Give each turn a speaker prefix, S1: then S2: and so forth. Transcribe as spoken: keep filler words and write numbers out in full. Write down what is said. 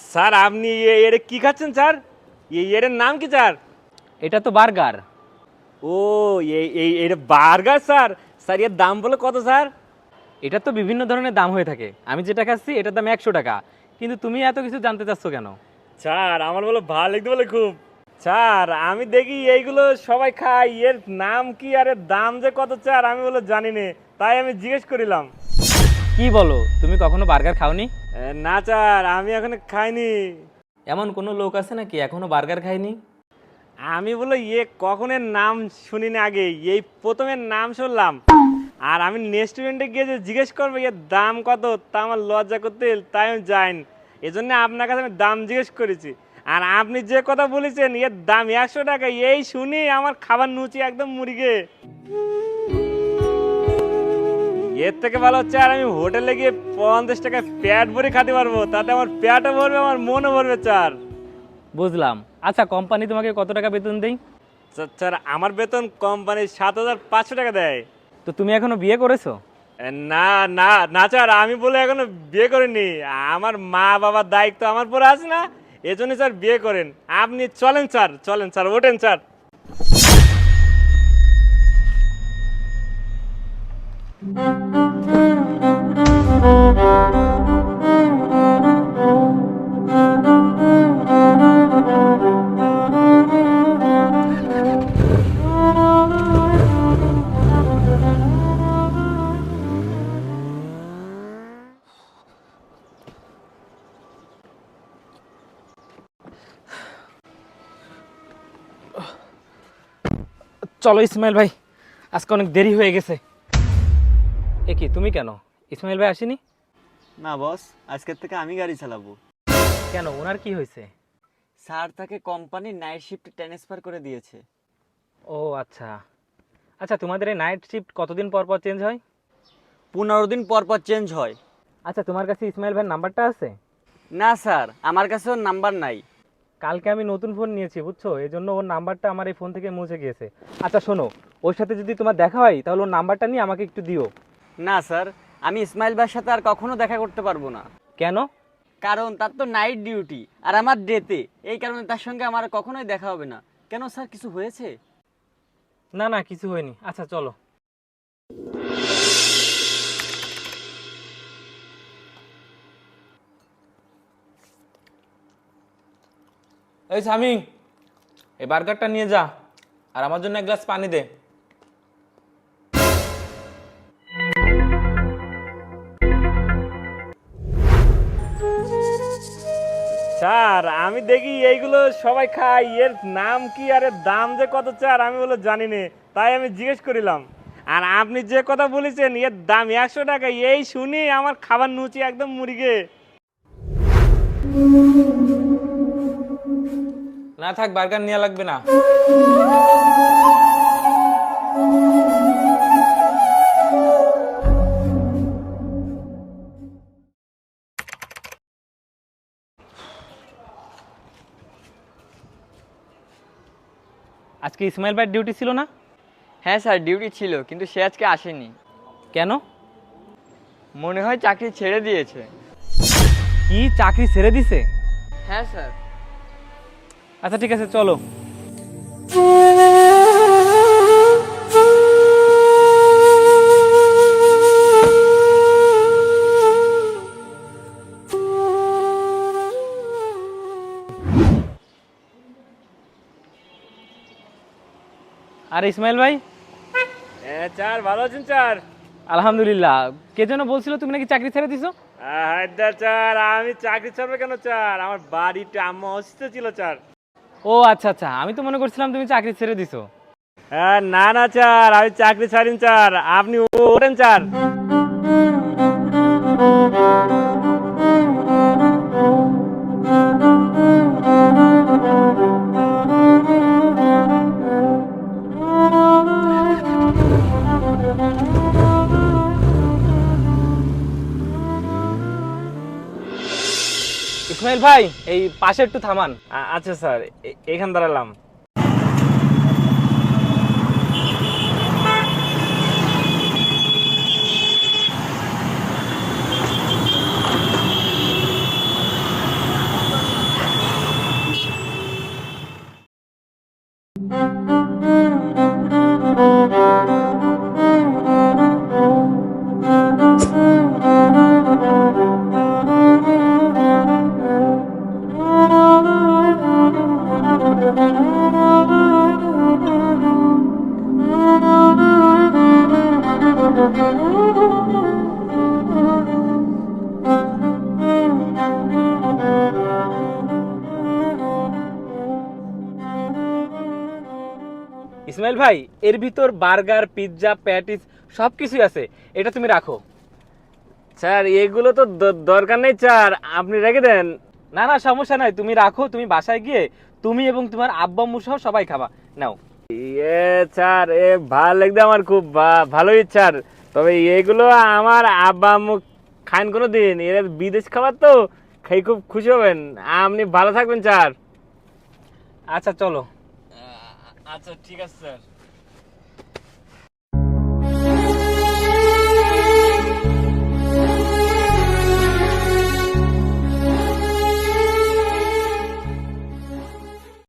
S1: Sir আপনি এ- এর কি খাচ্ছেন স্যার? এ- এর নাম কি স্যার?
S2: এটা তো বার্গার।
S1: ও, এই এই এর বার্গার স্যার? স্যার এর দাম বলে কত স্যার?
S2: এটা তো বিভিন্ন ধরনের দাম হয়ে থাকে, আমি যেটা খাচ্ছি এটার দাম একশো টাকা। কিন্তু তুমি এত কিছু জানতে চাচ্ছ কেন?
S1: স্যার আমার বলে ভালো লাগতে বলে খুব। স্যার আমি দেখি এইগুলো সবাই খায়, এর নাম কি আর এর দাম যে কত স্যার আমি বলে জানি না, তাই আমি জিজ্ঞেস করিলাম।
S2: কি বলো, তুমি কখনো বার্গার খাওনি?
S1: এ, না স্যার আমি এখন খাইনি।
S2: এমন কোনো লোক আছে নাকি এখনো বার্গার খায়নি?
S1: আমি বলে এ কখনের নাম শুনি না আগে, এই প্রথমের নাম শুনলাম। আর আমি রেস্টুরেন্টে গিয়ে যে জিজ্ঞেস করবো এর দাম কত, তা আমার লজ্জা করতে, তাই আমি যাইনি। এজন্য আপনার কাছে আমি দাম জিজ্ঞেস করেছি। আর আপনি যে কথা বলেছেন এর দাম একশো টাকা, এই শুনি আমার খাবার নুচি একদম মুরগে। এর থেকে ভালো হচ্ছে আর আমি হোটেলে গিয়ে পঞ্চাশ টাকায় পেট ভরে খেতে পারবো, তাতে আমার পেটও ভরবে আমার মনও ভরবে স্যার।
S2: বুঝলাম। আচ্ছা, কোম্পানি তোমাকে কত টাকা বেতন দেয়?
S1: স্যার স্যার, আমার বেতন কোম্পানি সাত হাজার পাঁচশো টাকা দেয়।
S2: তো তুমি এখনো বিয়ে করেছো?
S1: এ, না না না স্যার, আমি বলে এখনো বিয়ে করিনি। আমার মা বাবার দায়িত্ব আমার পরে আছে না, এজন্য স্যার বিয়ে করেন। আপনি চলেন স্যার, চলেন স্যার, ওঠেন স্যার।
S2: চলো ইসমাইল ভাই, আজকে অনেক দেরি হয়ে গেছে। এ কি, তুমি কেন? ইসমাইল ভাই আসেনি?
S3: না বস, আজকের থেকে আমি গাড়ি চালাবো।
S2: কেন, ওনার কি হয়েছে?
S3: স্যার তাকে কোম্পানির নাইট শিফট ট্রান্সফার করে দিয়েছে।
S2: ও আচ্ছা। আচ্ছা, তোমাদের এই নাইট শিফট কতদিন পর পর চেঞ্জ হয়?
S3: পনেরো দিন পর পর চেঞ্জ হয়।
S2: আচ্ছা, তোমার কাছে ইসমাইল ভাইয়ের নাম্বারটা আছে?
S3: না স্যার, আমার কাছে ওর নাম্বার নাই।
S2: কালকে আমি নতুন ফোন নিয়েছি বুঝছো, এই জন্য ওর নাম্বারটা আমার এই ফোন থেকে মুছে গিয়েছে। আচ্ছা শোনো, ওর সাথে যদি তোমার দেখা হয় তাহলে ওর নাম্বারটা নিয়ে আমাকে একটু দিও।
S3: না স্যার, আমি ইসমাইল ভাইয়ের সাথে আর কখনো দেখা করতে পারবো না।
S2: কেন?
S3: কারণ তার তো নাইট ডিউটি আর আমার ডেতে, এই কারণে তার সঙ্গে আমার কখনোই দেখা হবে না। কেন স্যার, কিছু হয়েছে?
S2: না না, কিছু হয়নি। আচ্ছা চলো। এই সামি, এই বার্গারটা নিয়ে যা, আর আমার জন্য এক গ্লাস পানি দে।
S1: স্যার আমি দেখি এইগুলো সবাই খায়, এর নাম কি আর এর দাম যে কত স্যার আমি বলে জানি না, তাই আমি জিজ্ঞেস করিলাম। আর আপনি যে কথা বলেছেন এর দাম একশো টাকা, এই শুনি আমার খাবার নুচি একদম মুরগে।
S2: না থাক, বার্গার নেওয়া লাগবে না। আজকে ইসমাইল ভাইয়ের ডিউটি ছিল না?
S4: হ্যাঁ স্যার, ডিউটি ছিল, কিন্তু সে আজকে আসেনি।
S2: কেন?
S4: মনে হয় চাকরি ছেড়ে দিয়েছে।
S2: কি, চাকরি ছেড়ে দিছে?
S4: হ্যাঁ স্যার।
S2: আচ্ছা ঠিক আছে, চলো। আর ইসমাইল ভাই?
S1: হ্যাঁ স্যার, ভালো আছেন স্যার?
S2: আলহামদুলিল্লাহ। কে যেন বলছিল তুমি নাকি চাকরি ছেড়ে দিছো?
S1: হায়দা স্যার, আমি চাকরি ছাড়বো কেন স্যার, আমার বাড়িতে আম্মা অসুস্থ ছিল স্যার।
S2: ও আচ্ছা আচ্ছা, আমি তো মনে করছিলাম তুমি চাকরি ছেড়ে দিছো।
S1: হ্যাঁ না না স্যার, আমি চাকরি ছাড়িন স্যার, আপনি ওঠেন স্যার।
S2: ইসমাইল ভাই, এই পাশে একটু থামান।
S1: আ- আচ্ছা স্যার, এ- এখান দাঁড়ালাম।
S2: ইসমাইল ভাই, এর ভিতর বার্গার, পিৎজা, প্যাটিস সব কিছুই আছে, এটা তুমি রাখো।
S1: স্যার এগুলো তো দ- দরকার নেই স্যার, আপনি রেখে দেন।
S2: না না সমস্যা নাই, তুমি রাখো, তুমি বাসায় গিয়ে তুমি এবং তোমার আব্বা আম্মু সহ সবাই খাবা। নাও।
S1: এ স্যার এ ভালো লাগবে আমার, খুব ভা- ভালোই স্যার। তবে এগুলো আমার আব্বা আম্মু খান কোনো দিন, এর বিদেশ খাবার তো, খাই খুব খুশি হবেন। আপনি ভালো থাকবেন স্যার।
S2: আচ্ছা চলো।
S1: আচ্ছা ঠিক আছে স্যার।